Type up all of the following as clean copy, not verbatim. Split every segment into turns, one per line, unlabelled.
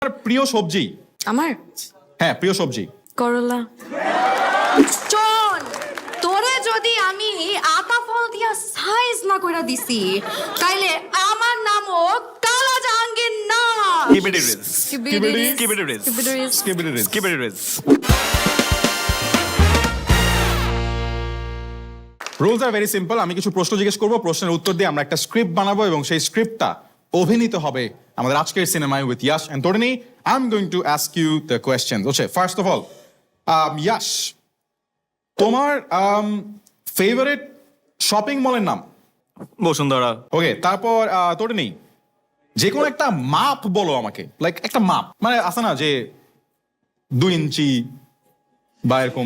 প্রিয় সবজি?
আমার
হ্যাঁ, প্রিয় সবজি।
করলা। চল তোরে যদি আমি আতা ফল দিয়া সাইজ না কইরা দিছি তাইলে আমার নামও কালা জাহাঙ্গীর না।
Keep it erase. Keep it erase.
Skip it erase.
Keep it erase.
Rules আর ভেরি সিম্পল। আমি কিছু প্রশ্ন জিজ্ঞেস করবো, প্রশ্নের উত্তর দিয়ে আমরা একটা স্ক্রিপ্ট বানাবো এবং সেই স্ক্রিপ্টটা অভিনীত হবে আমাদের আজকের সিনেমায় with Yash and Taruni. I am going to ask you the questions. Okay, first of all Yash, তোমার ফেভারিট শপিং মলের নাম?
বসুন্ধরা।
ওকে, তারপর তরুণী, যে কোনো একটা মাপ বলো আমাকে, লাইক একটা মাপ, মানে আছে না যে 2 ইঞ্চি বা এরকম।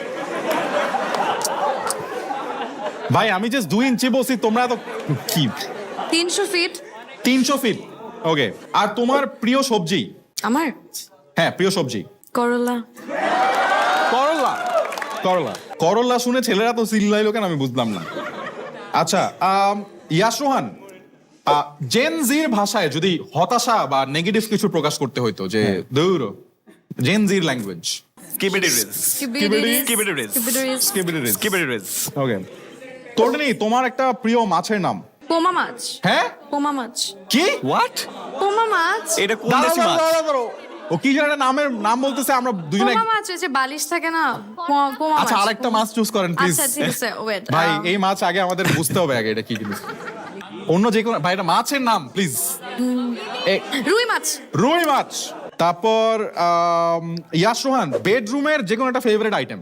ভাই আমি জাস্ট 2 ইঞ্চি বলছি, তোমরা তো কি
300 ফিট।
300 ফিট। ওকে, আর তোমার প্রিয় সবজি?
আমার
হ্যাঁ, প্রিয় সবজি।
করলা।
করলা। করলা করলা শুনে ছেলেরা তো চিল্লাইলো কেন আমি বুঝলাম না। আচ্ছা, ইয়াশ রোহান, জেন জির ভাষায় যদি হতাশা বা নেগেটিভ কিছু প্রকাশ করতে হইতো, যে দূর জেন জির language.
Keep it erase.
Keep it erase.
Keep it erase.
Keep it erase.
Skip it erase.
Keep it erase.
Okay, Taruni, তোমার একটা প্রিয় মাছের নাম?
পোমা মাছ।
হ্যাঁ,
পোমা মাছ।
কি?
What?
পোমা মাছ।
এটা কোন
দাঁড়াও,
দেশি মাছ?
দাঁড়াও, দাঁড়াও। ও কি যেন একটা নামের নাম বলতেছে, আমরা দুজনে।
পোমা মাছ ওই যে বালিশ থাকে না, পোমা মাছ।
আচ্ছা, আরেকটা মাছ চুজ করেন প্লিজ।
আচ্ছা ঠিক আছে, ওয়েট।
ভাই এই মাছ আগে আমাদের বুঝতে হবে আগে এটা কি জিনিস। অন্য যে কোনো, ভাই এটা মাছের নাম প্লিজ।
রুই মাছ।
রুই মাছ। তারপর ইয়াশ রোহান, বেডরুমের যে কোনো একটা ফেভারিট আইটেম?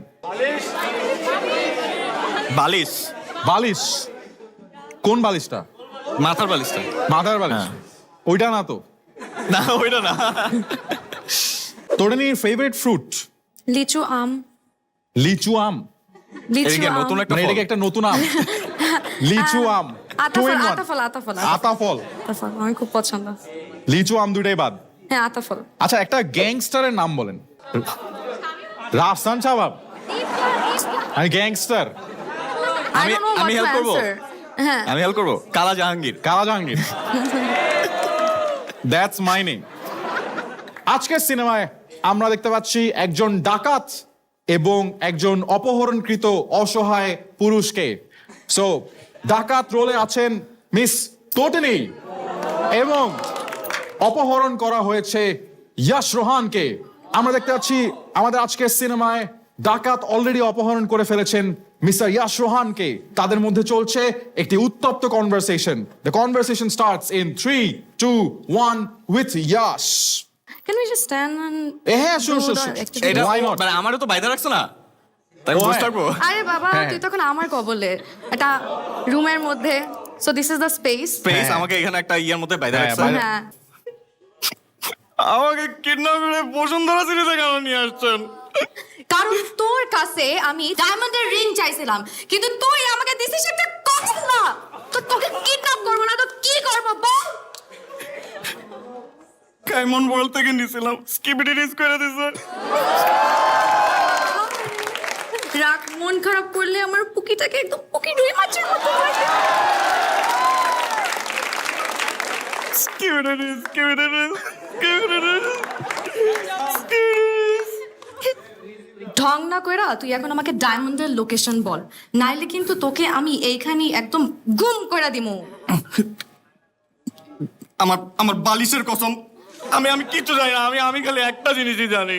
বালিশ।
বালিশ। কোন বালিশটা?
মাথার বালিশটা।
মাথার বালিশ? ওইটা না তো।
না, ওইটা না।
তরুণীর ফেভারিট ফ্রুট?
লিচু আম।
লিচু আম?
লিচু
এদিকে
আম।
নতুন একটা
মানে
ফল।
এটাকে একটা নতুন আম? লিচু আম। Two in one.
আতাফল।
আতাফল।
আতাফল আমার খুব পছন্দ।
লিচু আম দুটাই বাদ।
হ্যাঁ, আতাফল।
আচ্ছা, একটা গ্যাংস্টারের নাম বলেন। রাফসান শাহবাব? আমি gangster.
I don't know what
আমি
to
help করবো?
answer. হ্যাঁ।
আমি হেল্প করবো। কালা জাহাঙ্গীর।
কালা জাহাঙ্গীর। That's my name. আজকের সিনেমায় আমরা দেখতে পাচ্ছি একজন ডাকাত এবং একজন অপহরণকৃত অসহায় পুরুষকে। সো ডাকাত রোলে আছেন মিস তটিনী এবং অপহরণ করা হয়েছে ইয়াশ রোহানকে। আমরা দেখতে পাচ্ছি আমাদের আজকের সিনেমায় ডাকাত অলরেডি অপহরণ করে ফেলেছেন মিস্টার ইয়াশ রোহানকে। তাদের মধ্যে চলছে একটি উত্তপ্ত conversation. The conversation starts in 3, 2, 1 with Yash.
Can we just stand and
হ্যাঁ,
do
sure.
the activity?
এটা
Why not?
মানে আমারও তো বাইরে রাখছো না, তাই
ও,
বসে
হ্যাঁ।
থাকবো।
আরে বাবা,
হ্যাঁ।
তুই তখন আমার কবলে একটা রুমের মধ্যে। So this is the space.
Space
হ্যাঁ।
আমাকে এখানে একটা ইয়ের মধ্যে বাইরে
হ্যাঁ,
রাখছো।
বাইরে-
হ্যাঁ।
আমাকে কিডন্যাপ করে বসুন্ধরা সিরিজে কেন নিয়ে আসছেন?
কারণ তোর কাছে আমি ডায়মন্ডের রিং চাইছিলাম, কিন্তু তুই আমাকে দিছিস একটা ককলা। তো তোকে কিডন্যাপ করবো না তো কি করবো বল?
কাইমন ওয়ার্ল্ড থেকে নিয়েছিলাম, স্কিপিটি রিস করে দিছে।
রাগ মন খারাপ করলে আমার পুকিটাকে একদম পুকি রুই মাছের মতো লাগে।
Skibidi rizz, skibidi rizz, skibidi rizz, skibidi rizz.
ঢং না কইরা তুই এখন আমাকে ডায়মন্ডের লোকেশন বল, নাইলে কিন্তু তোকে আমি এইখানে একদম গুম কইরা দিমু।
আমার বালিশের কসম, আমি কিচ্ছু জানি না। আমি খালি একটা জিনিসই জানি,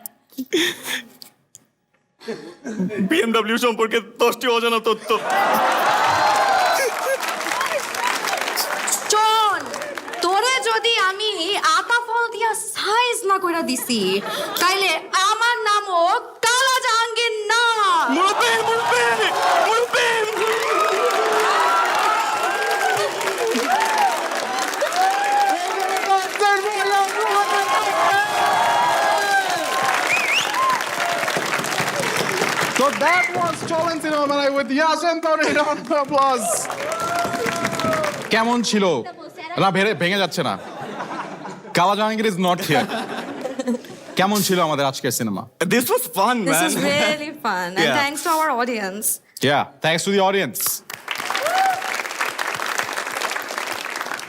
বিএমডব্লিউ সম্পর্কে 10টি অজানা তথ্য।
চল তোরে যদি আমি আতা ফল দিয়া সাইজ না কইরা দিছি তাইলে আমার নামও কালা জাহাঙ্গীর না।
মুরব্বি, মুরব্বি, মুরব্বি।
So that was Cholan Cinema Manai with Yash and Tony. Round of applause. কেমন ছিল? না, ভেঙে যাচ্ছে না। কালা জাহাঙ্গীর ইজ নট হিয়ার। কেমন ছিল আমাদের আজকের cinema?
This was fun,
This
man.
is really fun and
Yeah.
thanks to our audience.
Yeah, thanks to the audience.